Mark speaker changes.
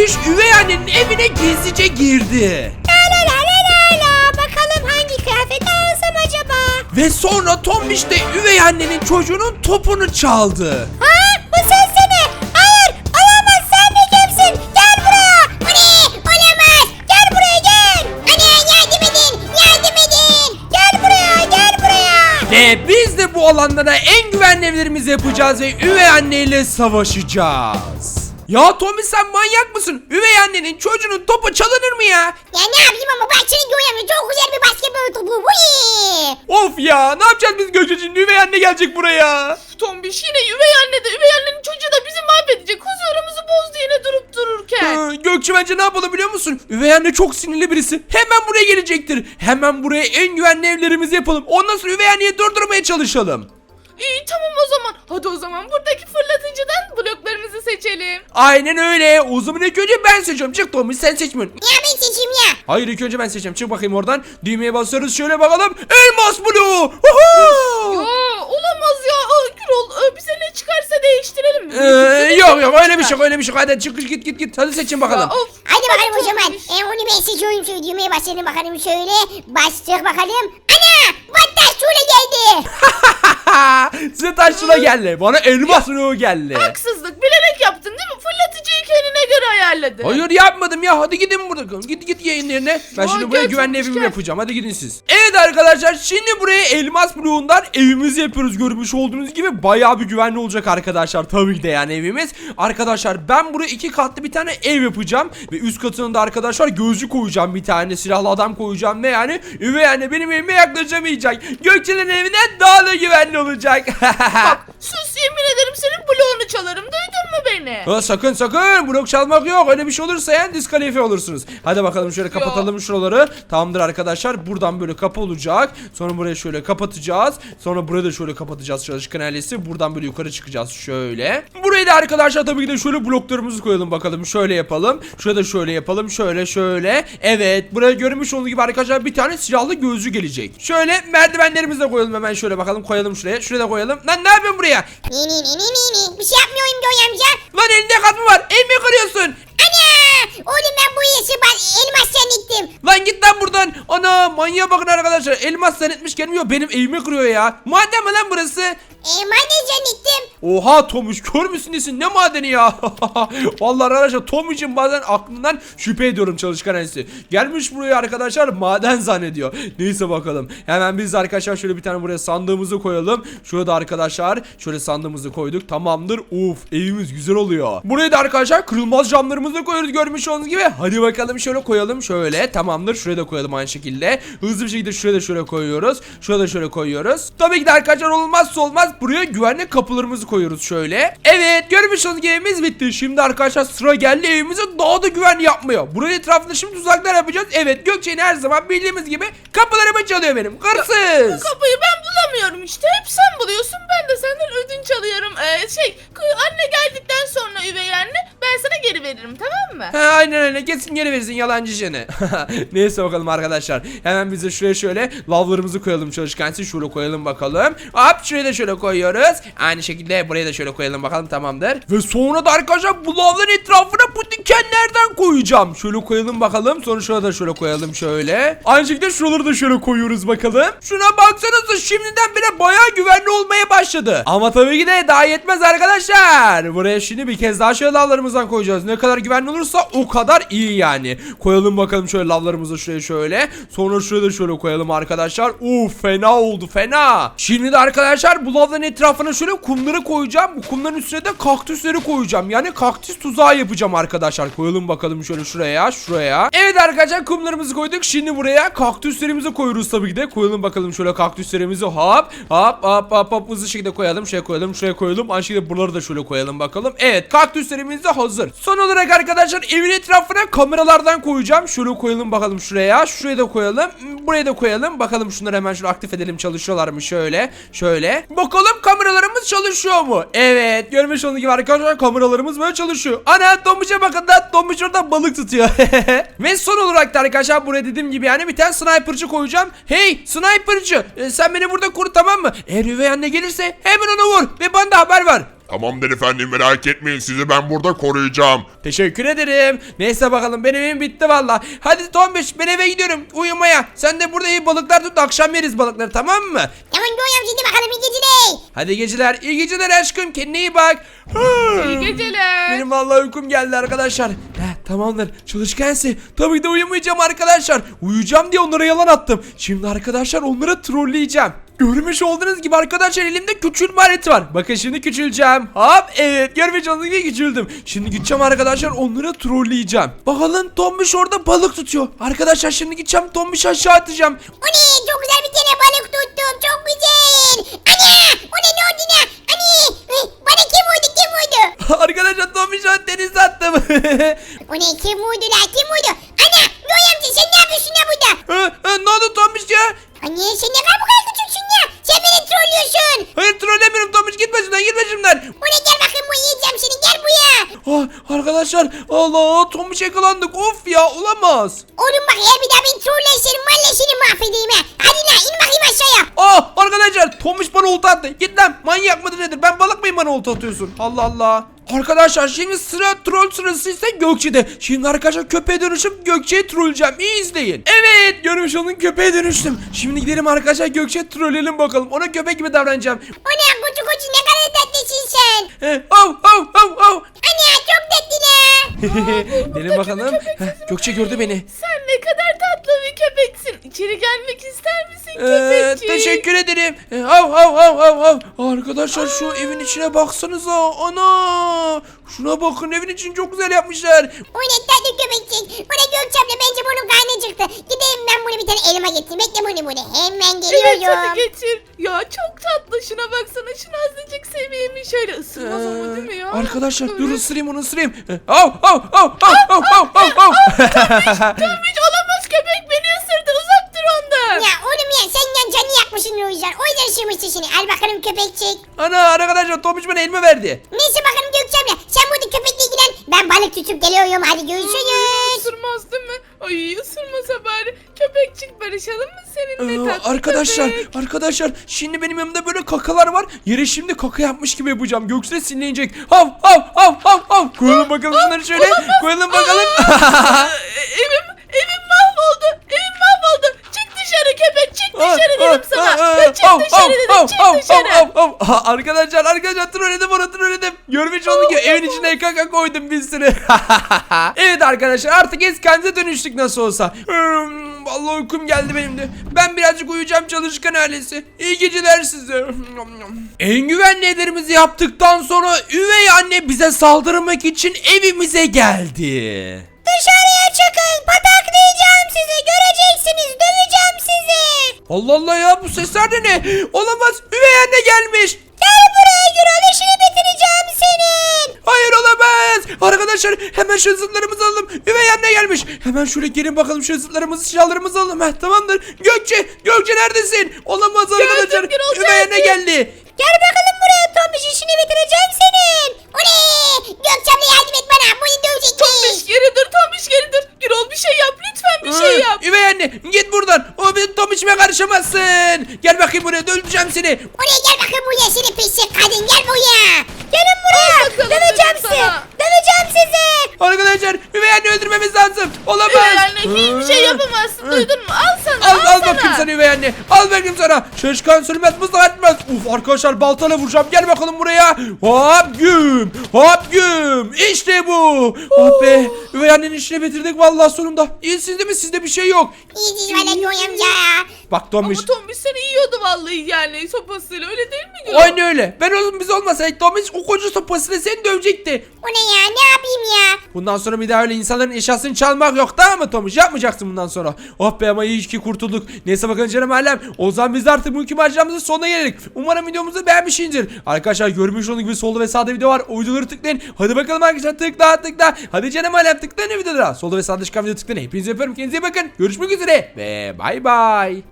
Speaker 1: Tombiş üvey annenin evine gizlice girdi.
Speaker 2: La la la la la. Bakalım hangi kıyafeti alsam acaba?
Speaker 1: Ve sonra Tombiş de üvey annenin çocuğunun topunu çaldı.
Speaker 2: Ha? Bu sensene. Hayır. Olamaz. Sen de kimsin? Gel buraya. Bu ne? Olamaz. Gel buraya gel. Anne yardım edin. Yardım edin. Gel buraya. Gel buraya.
Speaker 1: Ve biz de bu alanlara en güvenli evlerimizi yapacağız ve üvey anneyle savaşacağız. Ya Tombiş sen manyak mısın? Üvey annenin çocuğunun topu çalınır mı ya?
Speaker 2: Ya ne yapayım ama bak senin görüyorum. Çok güzel bir basketbol topu. Bu ne?
Speaker 1: Of ya, ne yapacağız biz Gökçe'cim? Üvey anne gelecek buraya.
Speaker 3: Tombiş yine üvey anne de üvey annenin çocuğu da bizi mahvedecek. Huzurumuzu bozdu yine durup dururken.
Speaker 1: Gökçe bence ne yapalım biliyor musun? Üvey anne çok sinirli birisi. Hemen buraya gelecektir. Hemen buraya en güvenli evlerimizi yapalım. Ondan sonra üvey anneyi durdurmaya çalışalım.
Speaker 3: İyi tamam o zaman. Hadi o zaman buradaki fırlatıcıdan bloklarımızı seçelim.
Speaker 1: Aynen öyle. O zaman ilk önce ben seçiyorum. Çık Tombiş, sen seçmiyorsun.
Speaker 2: Ya ben seçeyim ya.
Speaker 1: Hayır, ilk önce ben seçeceğim. Çık bakayım oradan. Düğmeye basıyoruz. Şöyle bakalım. Elmas bloğu.
Speaker 3: Ya olamaz ya. Gürol bize ne çıkarsa değiştirelim mi?
Speaker 1: Yok öyle bir şey yok, öyle bir şey yok. Hadi çık git. Hadi seçin bakalım.
Speaker 3: Ya, of.
Speaker 2: Hadi bakalım o zaman. Onu ben seçiyorum. Şöyle düğmeye başlayalım bakalım şöyle. Bastık bakalım. Ana! Battaş şöyle geldi.
Speaker 1: Size taşına geldi. Bana elmas bloğu geldi.
Speaker 3: Haksızlık bilerek yaptın değil mi? Fırlatıcıyı kendine göre ayarladın.
Speaker 1: Hayır yapmadım ya, hadi gidin buradan. Git yayın yerine. Ben şimdi buraya
Speaker 3: gel,
Speaker 1: güvenli
Speaker 3: çabuk
Speaker 1: evimi
Speaker 3: gel.
Speaker 1: yapacağım, hadi gidin siz. Evet arkadaşlar, şimdi buraya elmas bloğundan evimizi yapıyoruz. Görmüş olduğunuz gibi bayağı bir güvenli olacak arkadaşlar. Tabii ki de yani evimiz. Arkadaşlar ben buraya 2 katlı bir tane ev yapacağım. Ve üst katına da arkadaşlar gözcü koyacağım, bir tane silahlı adam koyacağım. Ve yani üvey anne benim evime yaklaşamayacak. Gökçe'nin evinden daha da güvenli olacak.
Speaker 3: Bak sus, yemin ederim senin bloğunu çalarım. Duydun mu beni?
Speaker 1: Ha, sakın blok çalmak yok, öyle bir şey olursa yani diskalifiye olursunuz. Hadi bakalım şöyle kapatalım şuraları. Tamamdır arkadaşlar, buradan böyle kapı olacak. Sonra burayı şöyle kapatacağız. Sonra burayı da şöyle kapatacağız, çalışkan ailesi. Buradan böyle yukarı çıkacağız şöyle. Burayı da arkadaşlar tabii ki de şöyle bloklarımızı koyalım bakalım. Şöyle yapalım. Şurada da şöyle yapalım. Şöyle. Evet, buraya görmüş olduğunuz gibi arkadaşlar bir tane silahlı gözcü gelecek. Şöyle merdivenlerimizi de koyalım hemen, şöyle bakalım, koyalım şuraya. Şuraya da koyalım. Lan ne yapıyorsun buraya?
Speaker 2: Ni. Bir şey yapmıyorum Göğe amca.
Speaker 1: Lan elinde kat mı var? El mi kırıyorsun?
Speaker 2: Ana! Oğlum ben bu işi elmas zannettim.
Speaker 1: Lan git lan buradan. Ana, manyağa bakın arkadaşlar. Elmas zannetmiş gelmiyor. Benim evimi kırıyor ya. Maden mi lan burası?
Speaker 2: Maden zannettim.
Speaker 1: Oha Tomuş, kör müsün nesin? Ne madeni ya? Vallahi arkadaşlar Tomuş'un bazen aklından şüphe ediyorum, çalışkan ailesi. Gelmiş buraya arkadaşlar maden zannediyor. Neyse bakalım. Hemen biz de arkadaşlar şöyle bir tane buraya sandığımızı koyalım. Şurada arkadaşlar şöyle sandığımızı koyduk. Tamamdır. Uf, evimiz güzel oluyor. Buraya da arkadaşlar kırılmaz camlarımızı koyuyoruz görmüş olduğunuz gibi. Hadi bakalım şöyle koyalım şöyle. Tamamdır. Şuraya da koyalım aynı şekilde. Hızlı bir şekilde şuraya da şöyle koyuyoruz. Şurada şöyle koyuyoruz. Tabii ki de arkadaşlar olmazsa olmaz, buraya güvenlik kapılarımızı koyuyoruz şöyle. Evet, görmüş olduğunuz gibi evimiz bitti. Şimdi arkadaşlar sıra geldi evimizi daha da güvenli yapmaya. Buraya etrafında şimdi tuzaklar yapacağız. Evet, Gökçe'nin her zaman bildiğimiz gibi kapılarımı çalıyor benim. Hırsız.
Speaker 3: Bu kapıyı ben bulamıyorum işte. Hep sen buluyorsun. Ben de senden ödünç alıyorum. Anne geldikten sonra üvey anne ben sana geri veririm, tamam mı?
Speaker 1: Ha, aynen öyle, kesin geri verirsin yalancı jene. Neyse bakalım arkadaşlar. Hemen biz de şuraya şöyle lavlarımızı koyalım, çalışkansı şöyle koyalım bakalım. Hop, şuraya da şöyle koyuyoruz. Aynı şekilde buraya da şöyle koyalım bakalım, tamamdır. Ve sonra da arkadaşlar bu lavların etrafına bu dikenlerden koyacağım. Şöyle koyalım bakalım. Sonra şurada da şöyle koyalım şöyle. Aynı şekilde şuraları da şöyle koyuyoruz bakalım. Şuna baksanıza, şimdiden bile bayağı güvenli olmaya başladı. Ama tabii ki de daha yetmez arkadaşlar. Buraya şimdi bir kez daha şöyle lavlarımızdan koyacağız. Ne kadar güvenli olursa o kadar iyi yani. Koyalım bakalım şöyle lavlarımızı şuraya şöyle. Sonra şuraya da şöyle koyalım arkadaşlar. Fena oldu, fena. Şimdi de arkadaşlar bu lavların etrafına şöyle kumları koyacağım. Bu kumların üstüne de kaktüsleri koyacağım. Yani kaktüs tuzağı yapacağım arkadaşlar. Koyalım bakalım şöyle şuraya. Evet arkadaşlar, kumlarımızı koyduk. Şimdi buraya kaktüslerimizi koyuyoruz tabii ki de. Koyalım bakalım şöyle kaktüslerimizi. Hop hızlı şekilde koyalım. Şuraya koyalım. Aynı şekilde buraları da şöyle koyalım bakalım. Evet, kaktüslerimiz de hazır. Son olarak arkadaşlar evin etrafına kameralardan koyacağım. Şöyle koyalım bakalım şuraya. Şuraya da koyalım. Buraya da koyalım. Bakalım şunları hemen şöyle aktif edelim. Çalışıyorlar mı? Şöyle. Bakalım kameralarımız çalışıyor mu? Evet. Görmüş olduğunuz gibi arkadaşlar kameralarımız böyle çalışıyor. Ana, Tombiş'e bakın da Tombiş orada balık tutuyor. Ve son olarak da arkadaşlar buraya dediğim gibi yani bir tane sniper'cı koyacağım. Hey sniper'cı, sen beni burada koru, tamam mı? Eğer üvey anne gelirse hemen onu vur ve bana da haber ver.
Speaker 4: Tamamdır efendim, merak etmeyin, sizi ben burada koruyacağım.
Speaker 1: Teşekkür ederim. Neyse bakalım benim evim bitti valla. Hadi Tombiş ben eve gidiyorum uyumaya. Sen de burada iyi balıklar tut akşam yeriz balıkları tamam mı?
Speaker 2: Tamam Göğe amca hadi bakalım iyi geceler.
Speaker 1: Hadi geceler. İyi geceler aşkım. Kendine iyi bak.
Speaker 3: İyi geceler.
Speaker 1: Benim vallahi uykum geldi arkadaşlar. Tamamdır. Çalışkense tabii de uyumayacağım arkadaşlar. Uyuyacağım diye onlara yalan attım. Şimdi arkadaşlar onları trolleyeceğim. Görmüş olduğunuz gibi arkadaşlar elimde küçülme aleti var. Bakın şimdi küçüleceğim. Hop evet görmüş olduğunuz gibi küçüldüm. Şimdi gideceğim arkadaşlar onları trolleyeceğim. Bakalım Tombiş orada balık tutuyor. Arkadaşlar şimdi gideceğim Tombiş aşağı atacağım.
Speaker 2: O ne çok güzel bir tane balık tuttum çok güzel. Ana o ne oldu ne? Ani bana kim vurdu?
Speaker 1: Arkadaşlar Tombiş o denize attım.
Speaker 2: O ne kim vurdu la kim vurdu? Ana Göğe amca sen ne yapıyorsun ya burada?
Speaker 1: Ne oldu Tombiş ya?
Speaker 2: Anne sen ne kadar küçüksün ya. Sen beni trollüyorsun.
Speaker 1: Hayır trollemiyorum Tombiş gitme şuradan gitme şimdiden.
Speaker 2: O ne gel bakayım bu yiyeceğim seni gel buraya.
Speaker 1: Arkadaşlar Allah Tombiş yakalandık of ya olamaz.
Speaker 2: Oğlum bak eğer bir daha beni trollersen valla seni mahvedeyim ha. Hadi la in bakayım aşağıya.
Speaker 1: Arkadaşlar Tombiş bana olta attı. Git lan manyak mıdır nedir ben balık mıyım bana olta atıyorsun. Allah Allah. Arkadaşlar şimdi sıra troll sırası ise Gökçe'de. Şimdi arkadaşlar köpeğe dönüşüp Gökçe'yi trolleyeceğim. İyi izleyin. Evet görmüş olun köpeğe dönüştüm. Şimdi gidelim arkadaşlar Gökçe'ye trolleyelim bakalım. Ona köpek gibi davranacağım.
Speaker 2: O ne koçu koçu ne kadar tatlısın sen. Anne çok tatlı la.
Speaker 1: Gelin bakalım. Gökçe gördü beni.
Speaker 3: Sen ne kadar tatlı bir köpeksin. İçeri gelmek ister misin köpekçik?
Speaker 1: Teşekkür ederim. Hav. Arkadaşlar şu evin içine baksanıza. Ana. Şuna bakın evin için çok güzel yapmışlar.
Speaker 2: O ne tatlı köpekçik. O ne Gökçem'le bence bunun karnı çıktı. Gideyim ben bunu bir tane elime getireyim. Bekle bunu burada. Hemen
Speaker 3: Evet
Speaker 2: geliyorum.
Speaker 3: hadi getir. Ya çok tatlı şuna baksana şunu azıcık seveyim şöyle ısırmaz ama değil mi ya?
Speaker 1: Arkadaşlar dur
Speaker 3: Evet.
Speaker 1: ısırayım onu ısırayım.
Speaker 3: Tombiş olamaz köpek beni ısırdı uzak dur ondan.
Speaker 2: Ya oğlum ya sen yan canı yakmışsın o yüzden. O yüzden ısırmıştı seni. Al bakalım köpekçik.
Speaker 1: Ana arkadaşlar Tomuç bana elma verdi.
Speaker 2: Neyse bakalım Gökçem'le. Sen burada köpekle ilgilen. Ben balık tutup geliyorum. Hadi görüşürüz.
Speaker 3: Isırmaz değil mi? Ay ısırmasa bari. Köpekçik barışalım mı seninle tatlı köpek?
Speaker 1: Arkadaşlar şimdi benim yanımda böyle kakalar var. Yere şimdi kaka yapmış gibi yapacağım. Gökçe sinirlenecek. Hav. Koyalım bakalım şunları şöyle. Koyalım bakalım.
Speaker 3: Evim mahvoldu. Evim mahvoldu. Çık dışarı köpek çık dışarı dedim sana. Çık dışarı dedim çık dışarı.
Speaker 1: Arkadaşlar trolledim. Görmüş olduk ki evin içine kaka koydum bir sürü. Evet arkadaşlar artık eskimize dönüştük nasıl olsa. Vallahi uykum geldi benim de. Ben birazcık uyuyacağım çalışkan ailesi. İyi geceler size. En güvenli evlerimizi yaptıktan sonra üvey anne bize saldırmak için evimize geldi.
Speaker 2: Dışarıya çıkın. Pataklayacağım sizi. Göreceksiniz. Döveceğim sizi.
Speaker 1: Allah Allah ya bu sesler de ne? Olamaz üvey anne gelmiş.
Speaker 2: Gel buraya Gürol. İşini bitireceğim senin.
Speaker 1: Hayır olamaz. Arkadaşlar hemen şu zıtlarımızı alalım. Üvey anne gelmiş. Hemen şöyle gelin bakalım şu zıtlarımızı silahlarımızı alalım. Tamamdır. Gökçe neredesin? Olamaz arkadaşlar.
Speaker 3: Gürol,
Speaker 1: Üvey anne
Speaker 3: geldim.
Speaker 1: geldi.
Speaker 2: Gel bakalım buraya Tombiş. İşini bitireceğim senin. O ne? Gökçem'le yardım et bana. Bunu dövecekmiş.
Speaker 3: Tombiş geri dur. Gürol bir şey yap lütfen bir şey yap.
Speaker 1: Üvey anne git buradan. O benim Tom içime karışamazsın. Gel bakayım buraya öldüreceğim seni.
Speaker 2: Oraya gel bakayım buraya seni pislik kadın. Gel buraya. Gelin buraya.
Speaker 3: bakalım,
Speaker 2: Döveceğim
Speaker 3: dedim
Speaker 2: sizi.
Speaker 3: sana.
Speaker 2: Döveceğim sizi.
Speaker 1: Arkadaşlar üvey anne öldürmemiz lazım. Olamaz.
Speaker 3: Üvey anne hiçbir şey yapamazsın duydun mu? Al sana
Speaker 1: Al bakayım sana üvey anne. Al bakayım sana. Şaşkan sürmez mızrak etmez. Uf arkadaşlar baltayla vuracağım. Gel bakalım buraya. Hop güm. İşte bu. Oh be. Üvey annenin işini bitirdik vallahi sonunda. İyisiniz değil mi? Sizde bir şey yok.
Speaker 2: İyiyiz valla Göğe amca.
Speaker 1: Bak Tomuş.
Speaker 3: Ama Tombiş seni yiyordu vallahi yani sopasıyla öyle değil mi Gürol?
Speaker 1: Aynı öyle. Ben oğlum biz olmasaydık Tomuş o koca sopasıyla seni dövecekti.
Speaker 2: O ne ya ne yapayım ya?
Speaker 1: Bundan sonra bir daha öyle insanların eşyasını çalmak yok tamam mı Tomuş? Yapmayacaksın bundan sonra. Oh be ama iyi ki kurtulduk. Neyse bakın canım alem. O zaman biz de artık bugünkü maceramızın sonuna geldik. Umarım videomuzu beğenmişsinizdir. Arkadaşlar görmüş olduğunuz gibi solda ve sağda video var. O videoları tıklayın. Hadi bakalım arkadaşlar tıkla. Hadi canım alem tıklayın videolara. Solda ve sağda çıkan video tıklayın. Hepinizi öpüyorum. Kendinize iyi bakın. Görüşmek üzere ve bay bay.